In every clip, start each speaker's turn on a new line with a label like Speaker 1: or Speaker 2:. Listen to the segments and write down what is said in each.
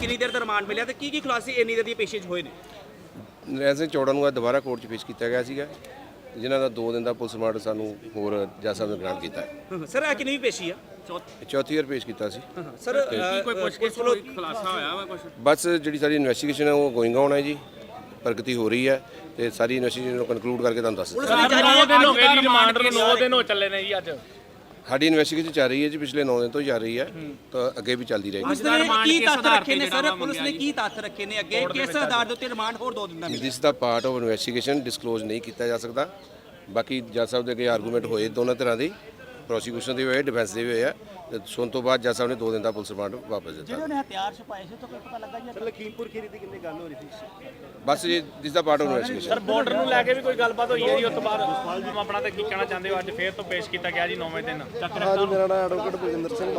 Speaker 1: ਕਿੰਨੀ ਦੇਰ ਦਾ ਰਿਮਾਂਡ ਮਿਲਿਆ ਤੇ ਕੀ ਖੁਲਾਸੇ ਇੰਨੀ ਦੇਰ ਦੀ ਪੇਸ਼ੀਜ਼ ਹੋਏ ਨੇ?
Speaker 2: ਨਰੈਣ ਸਿੰਘ ਚੌੜਾ ਨੂੰ ਅੱਜ ਦੁਬਾਰਾ ਕੋਰਟ 'ਚ ਪੇਸ਼ ਕੀਤਾ ਗਿਆ ਸੀਗਾ, ਜਿਨ੍ਹਾਂ ਦਾ 2 ਦਿਨ ਦਾ ਪੁਲਿਸ ਰਿਮਾਂਡ ਸਾਨੂੰ ਹੋਰ ਜੱਜ ਸਾਹਿਬ ਨੇ ਗ੍ਰਾਂਟ ਕੀਤਾ ਹੈ।
Speaker 1: ਸਰ ਇਹ ਕਿੰਨੀ ਪੇਸ਼ੀ ਆ?
Speaker 2: ਚੌਥੀ ਵਾਰ ਪੇਸ਼ ਕੀਤਾ ਸੀ।
Speaker 1: ਸਰ ਕੀ ਕੋਈ ਪੁੱਛਗਿੱਛ ਵੱਲੋਂ ਖੁਲਾਸਾ ਹੋਇਆ ਵਾ ਕੁਝ?
Speaker 2: ਬਸ ਜਿਹੜੀ ਸਾਡੀ ਇਨਵੈਸਟੀਗੇਸ਼ਨ ਹੈ ਉਹ ਗੋਇੰਗ ਔਨ ਹੈ ਜੀ, ਪ੍ਰਗਤੀ ਹੋ ਰਹੀ ਹੈ ਤੇ ਸਾਰੀ ਇਨਵੈਸਟੀਗੇਸ਼ਨ ਨੂੰ ਕਨਕਲੂਡ ਕਰਕੇ ਤੁਹਾਨੂੰ ਦੱਸ ਦਿੰਦੇ।
Speaker 3: 9 ਦਿਨ ਹੋ ਗਏ ਜੀ ਰਿਮਾਂਡ ਨੂੰ, 9 ਦਿਨ ਹੋ ਚੱਲੇ ਨੇ ਜੀ ਅੱਜ।
Speaker 2: ਸਾਡੀ ਇਨਵੈਸਟੀਗੇਸ਼ਨ ਚੱਲ ਰਹੀ ਹੈ ਜੀ, ਪਿਛਲੇ 9 ਦਿਨ ਤੋਂ ਚੱਲ ਰਹੀ ਹੈ ਤਾਂ ਅੱਗੇ ਵੀ ਚੱਲਦੀ ਰਹੇਗੀ।
Speaker 1: ਕੀ ਤੱਥ ਰੱਖੇ ਨੇ ਸਰ? ਪੁਲਿਸ ਨੇ ਕੀ ਤੱਥ ਰੱਖੇ ਨੇ ਅੱਗੇ? ਕਿਸ ਆਧਾਰ ਦੇ ਉੱਤੇ ਰਿਮਾਂਡ ਹੋਰ 2 ਦਿਨ ਦਾ ਮਿਲਿਆ?
Speaker 2: ਦਿਸ ਦਾ ਪਾਰਟ ਆਫ ਇਨਵੈਸਟੀਗੇਸ਼ਨ, ਡਿਸਕਲੋਜ਼ ਨਹੀਂ ਕੀਤਾ ਜਾ ਸਕਦਾ। ਬਾਕੀ ਜੱਜ ਸਾਹਿਬ ਦੇ ਅੱਗੇ ਆਰਗੂਮੈਂਟ ਹੋਏ ਦੋਨਾਂ ਤਰ੍ਹਾਂ ਦੀ, ਪ੍ਰੋਸੀਕਿਊਸ਼ਨ ਦੇ ਵੀ ਹੋਏ, ਡਿਫੈਂਸ ਦੇ ਵੀ ਹੋਏ ਆ। ਤੇ ਸੁਣ ਤੋਂ ਬਾਅਦ ਜੱਜ ਸਾਹਿਬ ਨੇ 2 ਦਿਨ ਦਾ ਪੁਲਿਸ ਰਿਮਾਂਡ ਵਾਪਸ ਦਿੱਤਾ।
Speaker 1: ਜਿਹੜੇ ਉਹਨੇ ਹਥਿਆਰ ਛੁਪਾਏ ਸੀ ਤਾਂ ਕੋਈ ਪਤਾ ਲੱਗਾ ਜੀ? ਲਖੀਮਪੁਰ ਖੀਰੀ ਦੀ ਕਿੰਨੀ ਗੱਲ ਹੋ ਰਹੀ ਸੀ?
Speaker 2: ਬਸ ਜੀ ਦਿਸ ਦਾ part of investigation.
Speaker 3: Sir border ਨੂੰ ਲੈ ਕੇ ਵੀ ਕੋਈ ਗੱਲਬਾਤ ਹੋਈ ਹੈ ਜੀ? ਉਸ ਤੋਂ ਬਾਅਦ ਆਪਣਾ ਤੇ ਕੀ ਕਹਿਣਾ ਚਾਹੁੰਦੇ ਹੋ? ਅੱਜ ਫੇਰ ਤੋਂ ਪੇਸ਼ ਕੀਤਾ ਗਿਆ ਜੀ 9ਵੇਂ ਦਿਨ।
Speaker 4: ਹਾਂਜੀ, ਮੇਰਾ ਨਾਮ ਐਡਵੋਕੇਟ ਬਲਜਿੰਦਰ ਸਿੰਘ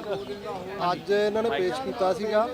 Speaker 4: ਬਾਜਵਾ। ਅੱਜ ਇਹਨਾਂ ਨੇ ਪੇਸ਼ ਕੀਤਾ ਸੀਗਾ।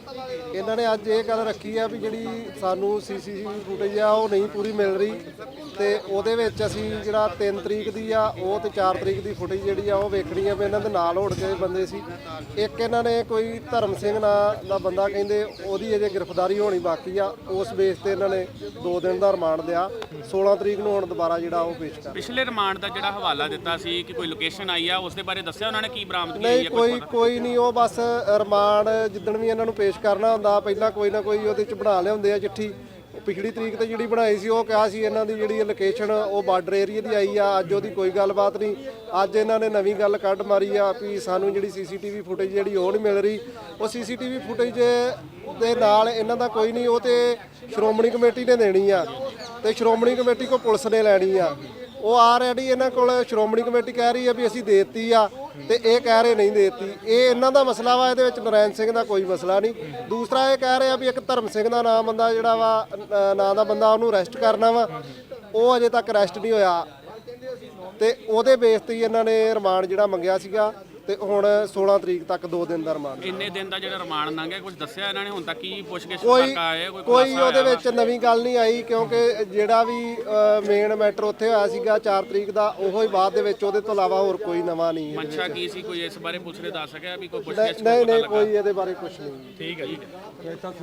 Speaker 4: ਇਹਨਾਂ ਨੇ ਅੱਜ ਇਹ ਗੱਲ ਰੱਖੀ ਆ ਵੀ ਜਿਹੜੀ ਸਾਨੂੰ ਸੀਸੀਟੀਵੀ ਫੁਟੇਜ ਆ ਉਹ ਨਹੀਂ ਪੂਰੀ ਮਿਲ ਰਹੀ ਤੇ ਉਹਦੇ ਵਿੱਚ ਅਸੀਂ ਜਿਹੜਾ 3 ਤਰੀਕ ਦੀ ਆ ਉਹ ਤੇ 4 ਤਰੀਕ ਦੀ ਫੁਟੇਜ ਜਿਹੜੀ ਆ ਉਹ ਵੇਖਣੀ ਆ ਵੀ ਇਹਨਾਂ ਦੇ ਨਾਲ ਹੋੜ ਕੇ ਬੰਦੇ ਸੀ। ਇੱਕ ਇਹਨਾਂ ਨੇ ਕੋਈ ਧਰਮ ਸਿੰਘ ਨਾਂ ਦਾ ਬੰਦਾ ਕਹਿੰਦੇ ਉਹਦੀ ਅਜੇ ਗ੍ਰਿਫਤਾਰੀ ਹੋਣੀ ਬਾਕੀ ਆ। ਉਸ ਬੇਸ ਤੇ ਇਹਨਾਂ ਨੇ 2 ਦਿਨ ਦਾ ਰਿਮਾਂਡ ਦਿਆ। 16 ਤਰੀਕ ਨੂੰ ਹੁਣ ਦੁਬਾਰਾ ਜਿਹੜਾ ਉਹ ਪੇਸ਼ ਕਰ।
Speaker 3: ਪਿਛਲੇ ਰਿਮਾਂਡ ਦਾ ਜਿਹੜਾ ਹਵਾਲਾ ਦਿੱਤਾ ਸੀ ਕਿ ਕੋਈ ਲੋਕੇਸ਼ਨ ਆਈ ਆ, ਉਸ ਦੇ ਬਾਰੇ ਦੱਸਿਆ ਉਹਨਾਂ ਨੇ ਕੀ ਬਰਾਮਦਗੀ ਹੋਈ
Speaker 4: ਨਹੀਂ, ਕੋਈ ਨਹੀਂ। ਉਹ ਬਸ ਰਿਮਾਂਡ ਜਿੱਦਣ ਵੀ ਇਹਨਾਂ ਨੂੰ ਪੇਸ਼ ਕਰਨਾ ਹੁੰਦਾ ਪਹਿਲਾਂ ਕੋਈ ਨਾ ਕੋਈ ਉਹਦੇ ਚ ਬਣਾ ਲਿਆਉਂਦੇ ਆ ਚਿੱਠੀ। ਪਿਛਲੀ ਤਰੀਕ ਤੇ ਜਿਹੜੀ ਬਣਾਈ ਸੀ ਉਹ ਕਿਹਾ ਸੀ ਇਹਨਾਂ ਦੀ ਜਿਹੜੀ ਲੋਕੇਸ਼ਨ ਉਹ ਬਾਰਡਰ ਏਰੀਆ ਦੀ ਆਈ ਆ। ਅੱਜ ਉਹਦੀ ਕੋਈ ਗੱਲਬਾਤ ਨਹੀਂ। ਅੱਜ ਇਹਨਾਂ ਨੇ ਨਵੀਂ ਗੱਲ ਕੱਢ ਮਾਰੀ ਆ ਵੀ ਸਾਨੂੰ ਜਿਹੜੀ ਸੀਸੀਟੀਵੀ ਫੁਟੇਜ ਜਿਹੜੀ ਉਹ ਨਹੀਂ ਮਿਲ ਰਹੀ। ਉਹ ਸੀਸੀਟੀਵੀ ਫੁਟੇਜ ਦੇ ਨਾਲ ਇਹਨਾਂ ਦਾ ਕੋਈ ਨਹੀਂ, ਉਹ ਤੇ ਸ਼੍ਰੋਮਣੀ ਕਮੇਟੀ ਨੇ ਦੇਣੀ ਆ ਤੇ ਸ਼੍ਰੋਮਣੀ ਕਮੇਟੀ ਕੋ ਪੁਲਿਸ ਨੇ ਲੈਣੀ ਆ। ਉਹ ਆਲਰੇਡੀ ਇਹਨਾਂ ਕੋਲ ਸ਼੍ਰੋਮਣੀ ਕਮੇਟੀ ਕਹਿ ਰਹੀ ਆ ਵੀ ਅਸੀਂ ਦੇਤੀ ਆ ਤੇ ਇਹ ਕਹਿ ਰਹੇ ਨਹੀਂ ਦੇਤੀ। ਇਹ ਇਹਨਾਂ ਦਾ ਮਸਲਾ ਵਾ, ਇਹਦੇ ਵਿੱਚ ਨਰੈਣ ਸਿੰਘ ਦਾ ਕੋਈ ਮਸਲਾ ਨਹੀਂ। ਦੂਸਰਾ ਇਹ ਕਹਿ ਰਹੇ ਆ ਵੀ ਇੱਕ ਧਰਮ ਸਿੰਘ ਦਾ ਨਾਮ ਬੰਦਾ ਜਿਹੜਾ ਵਾ ਨਾਂ ਦਾ ਬੰਦਾ ਉਹਨੂੰ ਅਰੈਸਟ ਕਰਨਾ ਵਾ, ਉਹ ਅਜੇ ਤੱਕ ਅਰੈਸਟ ਨਹੀਂ ਹੋਇਆ ਤੇ ਉਹਦੇ ਬੇਸ ਤੇ ਇਹਨਾਂ ਨੇ ਰਿਮਾਂਡ ਜਿਹੜਾ ਮੰਗਿਆ ਸੀਗਾ ਤੇ ਹੁਣ 16 ਤਰੀਕ ਤੱਕ 2 ਦਿਨ ਦਾ ਰਿਮਾਂਡ।
Speaker 3: ਇੰਨੇ ਦਿਨ ਦਾ ਜਿਹੜਾ ਰਿਮਾਂਡ ਲੰਘਿਆ ਕੁਝ ਦੱਸਿਆ ਇਹਨਾਂ ਨੇ ਹੁਣ ਤੱਕ? ਕੀ ਪੁੱਛਗਿੱਛ ਤੱਕ ਆਏ?
Speaker 4: ਕੋਈ ਉਹਦੇ ਵਿੱਚ ਨਵੀਂ ਗੱਲ ਨਹੀਂ ਆਈ ਕਿਉਂਕਿ ਜਿਹੜਾ ਵੀ ਮੇਨ ਮੈਟਰ ਉੱਥੇ ਹੋਇਆ ਸੀਗਾ 4 ਤਰੀਕ ਦਾ ਉਹੋ ਹੀ ਬਾਅਦ ਦੇ ਵਿੱਚ, ਉਹਦੇ ਤੋਂ ਇਲਾਵਾ ਹੋਰ ਕੋਈ ਨਵਾਂ ਨਹੀਂ।
Speaker 3: ਮਨਸ਼ਾ ਕੀ ਸੀ? ਕੋਈ ਇਸ ਬਾਰੇ ਪੁੱਛ ਰਹੇ ਦੱਸ ਸਕਿਆ ਵੀ ਕੋਈ ਪੁੱਛਗਿੱਛ?
Speaker 4: ਨਹੀਂ, ਕੋਈ ਇਹਦੇ ਬਾਰੇ ਕੁਝ ਨਹੀਂ।
Speaker 3: ਠੀਕ ਹੈ ਜੀ।